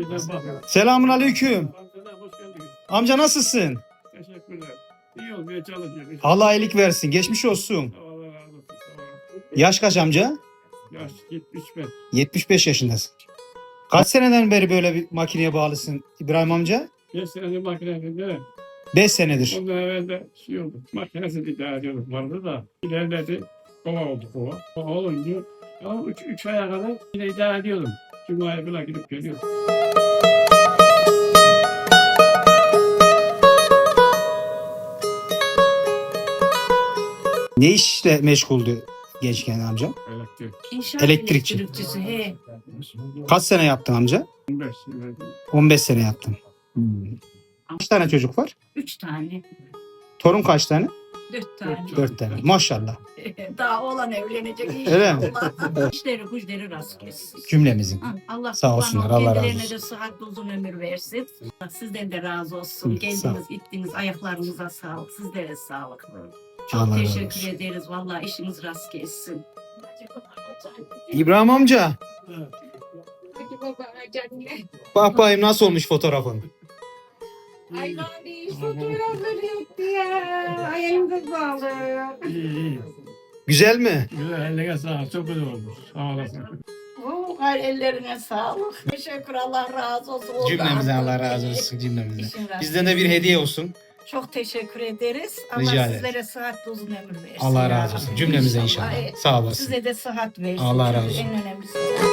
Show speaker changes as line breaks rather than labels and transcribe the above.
Selamun aleyküm.
Amcalar hoş geldiniz.
Amca nasılsın?
Teşekkürler. İyi olmaya çalışıyoruz.
Allah iyilik versin. Geçmiş olsun.
Allah razı olsun. Sağ olun.
Yaş kaç amca?
Yaş 75.
75 yaşındasın. Kaç seneden beri böyle bir makineye bağlısın İbrahim amca?
5 senedir makinesinde.
5 senedir.
Ondan evvel de şey oldu. Makinesi idare ediyorduk vardı da. İlerledi. Kova oldu kova. Kova olunca ama 3 aya kadar yine idare ediyordum. Cuma'ya bile gidip geliyordum.
Ne işle meşguldü gençken amca?
Elektrik.
İnşaat
Elektrikçi.
elektrikçisi. He.
Kaç sene yaptın amca?
15 senedir.
15 sene yaptım. Kaç tane çocuk var?
3 tane.
Torun kaç tane?
4 tane.
4 tane. Maşallah.
Daha oğlan evlenecek
Öyle mi?
inşallah. İşleri güçleri rast kessin.
Cümlemizin.
Ha, Allah
Sağ olsunlar, Allah razı
kendilerine
olsun.
de sıhhatli uzun ömür versin. Sizden de razı olsun.
Hı, sağ ol.
Geldiniz, gittiniz, ayaklarınıza sağlık. Sizlere sağlık.
Allah
Çok
razı
teşekkür
olsun.
ederiz. Vallahi işiniz rast kessin.
İbrahim amca.
Hadi baba canım.
Bak bakayım nasıl olmuş fotoğrafın.
Ay bari fotoğrafları yoktu ya. Ayağınıza sağlık.
İyi.
Güzel mi?
Güzel eline sağlık. Çok güzel olmuş. Sağ olasın.
Ay ellerine sağlık. Teşekkür, Allah razı olsun. Oldu
Cümlemizden
artık.
Allah razı olsun. Cümlemizden.
İşin rast
Bizden de bir hediye olsun.
Çok teşekkür ederiz. Allah
Rica ederim.
sizlere sıhhatli uzun ömür versin.
Allah
ya
razı olsun.
Rabbi.
Cümlemize inşallah.
Evet.
Sağ olasın.
Size de sıhhat versin.
Allah razı
Çünkü
olsun.
En önemlisi.